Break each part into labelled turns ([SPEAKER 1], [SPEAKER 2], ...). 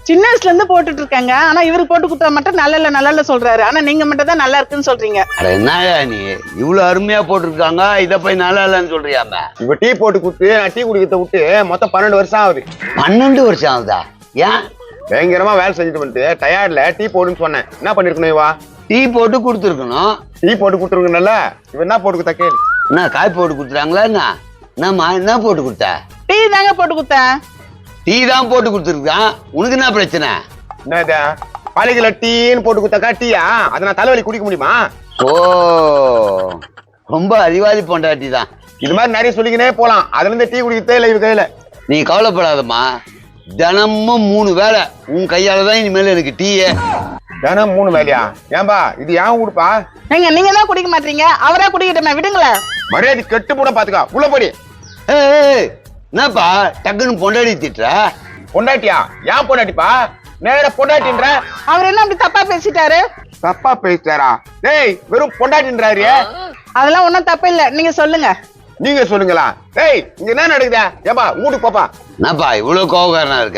[SPEAKER 1] சின்ன வயசுல இருந்து போட்டுட்டு இருக்காங்க. ஆனா இவருக்கு போட்டு கொடுத்தா மட்டும் நல்லா இல்ல சொல்றாரு. ஆனா நீங்க மட்டும் தான் நல்லா இருக்குன்னு சொல்றீங்க.
[SPEAKER 2] அட என்னயா நீ இவ்வளவு அருமையா போட்டிருக்காங்க, இத போய் நல்லா இல்லன்னு சொல்றியாம?
[SPEAKER 3] இப்ப டீ போட்டு கொடுத்து நான் டீ குடிக்கிறத விட்டு மொத்தம் 12 வருஷம் ஆகுது.
[SPEAKER 2] 12 வருஷம் ஆகுதா? ஏன்?
[SPEAKER 3] பயங்கரமா வேலை செஞ்சுட்டு வந்துட்டு டயர்ட்ல டீ போடுன்னு சொன்னேன். என்ன பண்ணிருக்கணும் இவா?
[SPEAKER 2] டீ போட்டு கொடுத்துருக்கணும்.
[SPEAKER 3] டீ போட்டு கொடுத்துருக்கணும்ல, இவ என்ன போட்டு கொடுத்தா கேளு.
[SPEAKER 2] என்ன காய் போட்டு கொடுத்துறாங்களா? என்னம்மா என்ன போட்டு கொடுத்த?
[SPEAKER 1] டீ தாங்க போட்டு கொடுத்தேன்.
[SPEAKER 2] டீ தான் போட்டு கொடுத்துருக்கான். உனக்கு என்ன பிரச்சனை?
[SPEAKER 3] என்னது பழகில டீன்னு போட்டு கொடுத்தாக்கா டீயா? அதை நான் தலைவலி குடிக்க முடியுமா?
[SPEAKER 2] ஓ, ரொம்ப அறிவாளி பொண்டாட்டி தான்.
[SPEAKER 3] இது மாதிரி நிறைய சொல்லிக்கினே போலாம். அதுல இருந்து டீ குடிக்கிறதே இல்லை இவ கையில.
[SPEAKER 2] நீ கவலைப்படாதம்மா, தினமும் 3 வேளை உன் கையால தான் இனிமேல் எனக்கு டீயே.
[SPEAKER 3] தினம் 3 வேலையா? ஏன்பா இது ஏன் கொடுப்பா?
[SPEAKER 1] நீங்க தான் குடிக்க மாட்டீங்க, அவரா குடிக்கிட்டமே விடுங்களேன்.
[SPEAKER 3] மரியாதை கெட்டு போட பாத்துக்கா. உள்ள போடி.
[SPEAKER 2] ஏய் என்னப்பா டக்குன்னு பொண்டாடி திட்டுற?
[SPEAKER 3] பொண்டாட்டியா? ஏன் பொண்டாட்டிப்பா? நேர பொண்டாட்டின்ற.
[SPEAKER 1] அவர் என்ன அப்படி தப்பா பேசிட்டாரு?
[SPEAKER 3] தப்பா பேசிட்டாரா? டேய் வெறும் பொண்டாட்டின்றாரு.
[SPEAKER 1] அதெல்லாம் ஒண்ணும் தப்பு இல்ல, நீங்க சொல்லுங்க.
[SPEAKER 3] நீங்க சொல்லுங்களா? டேய் இங்க என்ன நடக்குதா? ஏப்பா வீட்டுக்கு போப்பா.
[SPEAKER 2] என்னப்பா இவ்வளவு கோவக்காரனா இருக்க?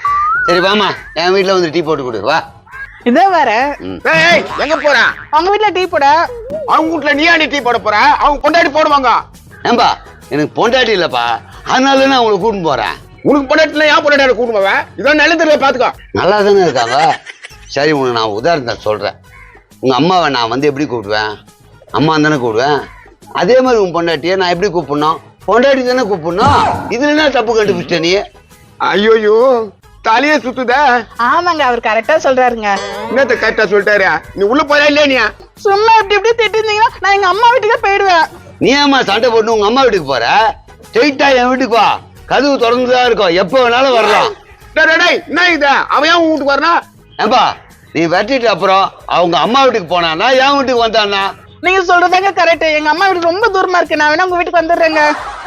[SPEAKER 2] சரி வாமா, என் வீட்டுல வந்து டீ போட்டு கொடு வா.
[SPEAKER 1] இதே வேற.
[SPEAKER 3] டேய் எங்க போற?
[SPEAKER 1] அவங்க வீட்டுல டீ போட.
[SPEAKER 3] அவங்க வீட்டுல நீ ஏன் டீ போட போற? அவங்க பொண்டாட்டி போடுவாங்க.
[SPEAKER 2] ஏன்பா எனக்கு பொண்டாட்டி இல்லப்பா, அதனால நான் உங்களை கூட்டிட்டு போறேன்.
[SPEAKER 3] உனக்கு பொண்டாட்டில ஏன் பொண்டாட்டி கூட்டு போவேன்? இதான் நல்லதுல பாத்துக்கோ.
[SPEAKER 2] நல்லா தானே இருக்காங்க. சரி உனக்கு நான் உதாரணத்தை சொல்றேன். உங்க அம்மாவை நான் வந்து எப்படி கூப்பிடுவேன்? அம்மா தானே கூப்பிடுவேன். அதே மாதிரி உன் பொண்டாட்டியை நான் எப்படி கூப்பிடணும்? பொண்டாட்டி தானே கூப்பிடணும். இதுல என்ன தப்பு கண்டுபிடிச்ச நீ?
[SPEAKER 3] ஐயோயோ தலையே சுத்துத.
[SPEAKER 1] ஆமாங்க, அவர் கரெக்டா சொல்றாருங்க.
[SPEAKER 3] என்னத்த கரெக்டா சொல்லிட்டாரு? நீ உள்ள போறா இல்லையா? நீ
[SPEAKER 1] சும்மா இப்படி திட்டிருந்தீங்கன்னா நான் எங்க அம்மா வீட்டுக்கே போயிடுவேன்.
[SPEAKER 2] நீ ஏமா சண்டை போட்டு உங்க அம்மா வீட்டுக்கு போற? ஸ்ட்ரெயிட்டா என் வீட்டுக்கு வா, கதவு திறந்துதான் இருக்கும், எப்ப வேணாலும் வரலாம்.
[SPEAKER 3] என்ன இது? அவன் ஏன் வீட்டுக்கு வரனா?
[SPEAKER 2] ஏன்பா நீ வெட்டிட்டு அப்புறம் அவங்க அம்மா வீட்டுக்கு போனானா என் வீட்டுக்கு வந்தானா?
[SPEAKER 1] நீங்க சொல்றதாங்க கரெக்ட். எங்க அம்மா வீடு ரொம்ப தூரமா இருக்கு, நான் வேணா உங்க வீட்டுக்கு வந்துடுறேங்க.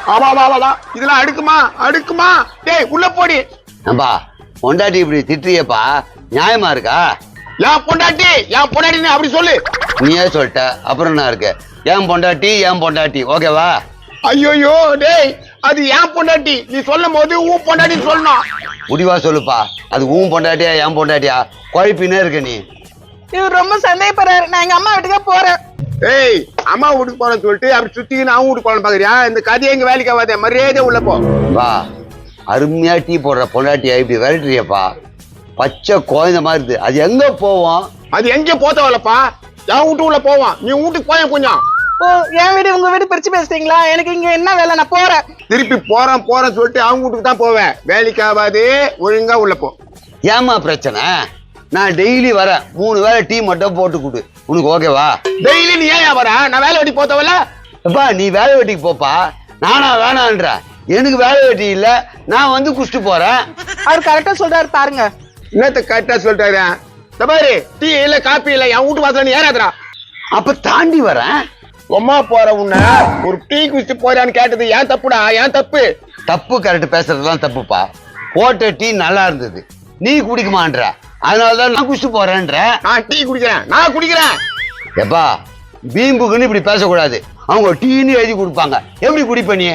[SPEAKER 3] இதெல்லாம் அடுக்குமா? டேய் உள்ள போடி.
[SPEAKER 2] ஏன்பா பொண்டாட்டி இப்படி திட்டுறியப்பா, நியாயமா இருக்கா?
[SPEAKER 3] என் பொண்டாட்டி அப்படி சொல்லு.
[SPEAKER 2] நீயே சொல்லிட்ட, அப்புறம் என்ன இருக்கு? ஏன் பொண்டாட்டி ஓகேவா?
[SPEAKER 3] ஐயோயோ டேய் அது ஏன் பொண்டாட்டி. நீ சொல்லும் போது உன் பொண்டாட்டி சொல்லணும்.
[SPEAKER 2] முடிவா சொல்லுப்பா, அது உன் பொண்டாட்டியா என் பொண்டாட்டியா? குழப்பினே இருக்க நீ.
[SPEAKER 1] இவர் ரொம்ப சந்தேகப்படுறாரு. நான் எங்க அம்மா வீட்டுக்கே போறேன்.
[SPEAKER 3] ஏய் அம்மா வீட்டுக்கு போறேன்னு சொல்லிட்டு அப்படி சுத்திக்கின்னு அவன் வீட்டுக்கு போறேன்னு பாக்குறியா? இந்த கதையை எங்க வேலைக்கு ஆகாத, மரியாதை உள்ள போ.
[SPEAKER 2] வா, அருமையா டீ போடுற பொண்டாட்டியா இப்படி விரட்டுறியப்பா? பச்சை குழந்த மாதிரி இருக்கு. அது எங்க போவோம்?
[SPEAKER 3] அது எங்க போத்தவல்லப்பா? என் வீட்டு உள்ள போவான். நீ வீட்டுக்கு போய கொஞ்சம்.
[SPEAKER 1] ஓ, என் வீடு உங்க வீடு பிரிச்சு பேசுறீங்களா? எனக்கு இங்க என்ன வேலை, நான் போறேன்.
[SPEAKER 3] திருப்பி போறேன்னு சொல்லிட்டு அவங்க வீட்டுக்கு தான் போவேன். வேலைக்கு ஆகாது, ஒழுங்கா உள்ள போ.
[SPEAKER 2] ஏமா பிரச்சனை? நான் டெய்லி வரேன், 3 வேளை டீ மட்டும் போட்டு கொடு, உனக்கு ஓகேவா?
[SPEAKER 3] டெய்லி நீ ஏன் வர? நான் வேலை வெட்டி போத்தவல்ல.
[SPEAKER 2] அப்பா நீ வேலை வெட்டிக்கு போப்பா, நானா வேணான்ற? எனக்கு வேலை வெட்டி இல்ல, நான் வந்து குடிச்சிட்டு போறேன்.
[SPEAKER 1] அவர் கரெக்டா சொல்றாரு பாருங்க.
[SPEAKER 3] என்னத்த கரெக்டா சொல்லிட்டாரு? பாரு டீ இல்ல காப்பி இல்ல என் வீட்டு வாசல நீ ஏறாதடா.
[SPEAKER 2] அப்ப தாண்டி வரேன்.
[SPEAKER 3] அம்மா போற உன்ன ஒரு டீ குடிச்சு போறான்னு கேட்டது ஏன் தப்புடா? ஏன் தப்பு?
[SPEAKER 2] தப்பு கரெக்ட் பேசுறதுலாம் தப்புப்பா. போட்ட டீ நல்லா இருந்தது, நீ குடிக்குமான்ற, அதனாலதான் நான் குடிச்சு போறேன்ற.
[SPEAKER 3] நான் டீ குடிக்கிறேன், நான் குடிக்கிறேன்.
[SPEAKER 2] எப்பா பீம்புக்குன்னு இப்படி பேசக்கூடாது. அவங்க டீன்னு எழுதி கொடுப்பாங்க, எப்படி குடிப்ப நீ?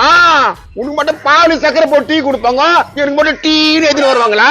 [SPEAKER 3] உனக்கு மட்டும் பால் சக்கரை போட்டு டீ கொடுப்பாங்க, எனக்கு மட்டும் டீன்னு எழுதிட்டு வருவாங்களா?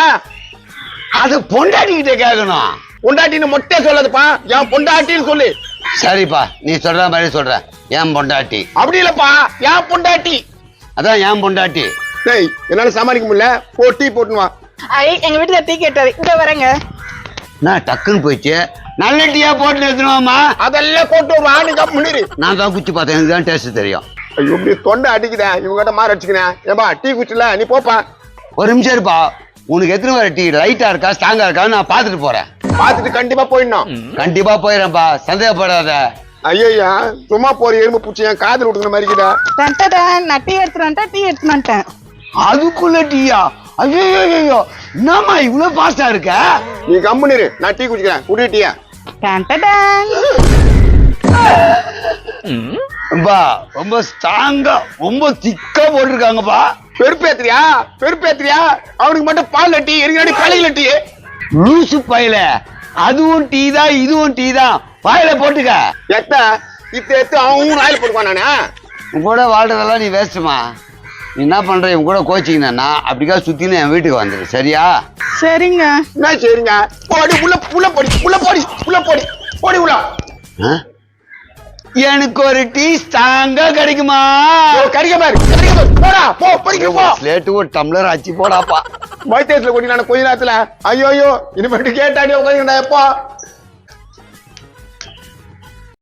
[SPEAKER 2] அது பொண்டாட்டிக்கிட்ட கேட்கணும்.
[SPEAKER 3] பொண்டாட்டின்னு மொட்டை சொல்லாதுப்பா, என் பொண்டாட்டின்னு சொல்லு.
[SPEAKER 2] சரிப்பா, நீ சொல்ற மாதிரி சொல்ற. என் பொண்டாட்டி
[SPEAKER 3] அப்படி இல்லப்பா, என் பொண்டாட்டி.
[SPEAKER 2] அதான் என் பொண்டாட்டி.
[SPEAKER 3] டேய் என்னால சமாளிக்க முடியல, போ டீ போட்டுன்னு வா.
[SPEAKER 1] எங்க வீட்டுல டீ கேட்டாரு, இங்க வரேங்க.
[SPEAKER 2] நான் டக்குன்னு போயிடுச்சு. நல்ல டீயா போட்டு எடுத்துருவாமா?
[SPEAKER 3] அதெல்லாம் போட்டு வா. நீ முன்னிரு.
[SPEAKER 2] நான் தான் குச்சி பார்த்தேன், எனக்கு தான் டேஸ்ட் தெரியும்.
[SPEAKER 3] ஐயோ இப்படி தொண்டை அடிக்குதேன், இவங்கிட்ட மாற அடிச்சுக்கிறேன். ஏப்பா டீ குடிச்சல, நீ போப்பா.
[SPEAKER 2] ஒரு நிமிஷம் இருப்பா, உனக்கு எத்தனை வர டீ லைட்டா இருக்கா ஸ்ட்ராங்கா இருக்கான்னு நான் பாத்துட்டு போறேன்.
[SPEAKER 3] பாத்துட்டு கண்டிப்பா போயிடணும்.
[SPEAKER 2] கண்டிப்பா போயிடறேன்பா, சந்தேகப்படாத.
[SPEAKER 3] ஐயா சும்மா போற எறும்பு பூச்சி என் காதல் விட்டுக்கிற மாதிரி இருக்குதா?
[SPEAKER 1] நான் டீ எடுத்துட்டு வந்துட்டேன்.
[SPEAKER 2] அதுக்குள்ள டீயா? ஐயோ என்னம்மா இவ்வளவு பாஸ்டா இருக்க?
[SPEAKER 3] நீ கம்முனிரு, நான் டீ குடிக்கிறேன். குடிட்டியா?
[SPEAKER 2] ரொம்ப ஸ்ட்ராங்கா ரொம்ப திக்கா போட்டிருக்காங்கப்பா.
[SPEAKER 3] பெருப்பேத்திரியா? அவனுக்கு மட்டும் பால் டீ, எனக்கு பழகில டீ.
[SPEAKER 2] லூசு பையல, அதுவும் டீ தான் இதுவும் டீ தான், வாயில போட்டுக்க.
[SPEAKER 3] எத்த இத்த அவன் வாயில போட்டுக்குவான். நானு
[SPEAKER 2] கூட வாழ்றதெல்லாம் நீ வேஸ்ட்டுமா. நீ என்ன பண்ற இவன் கூட கோச்சிங்கன்னா அப்படிக்கா சுத்தின்னு என் வீட்டுக்கு வந்துடு சரியா?
[SPEAKER 1] சரிங்க.
[SPEAKER 3] என்ன சரிங்க? போடி உள்ள உள்ள போடி உள்ள போடி உள்ள போடி போடி உள்ள.
[SPEAKER 2] எனக்கு ஒரு டீ ஸ்ட்ராங்கா கிடைக்குமா?
[SPEAKER 3] கறிக்க பாரு போடா போ படிக்க போ.
[SPEAKER 2] ஸ்லேட்டு ஒரு டம்ளர் ஆச்சு போடாப்பா.
[SPEAKER 3] வைத்தியத்துல கொட்டி நான் கொஞ்ச நேரத்துல ஐயோ இனிமேட்டு கேட்டாடி உட்காந்துடா எப்போ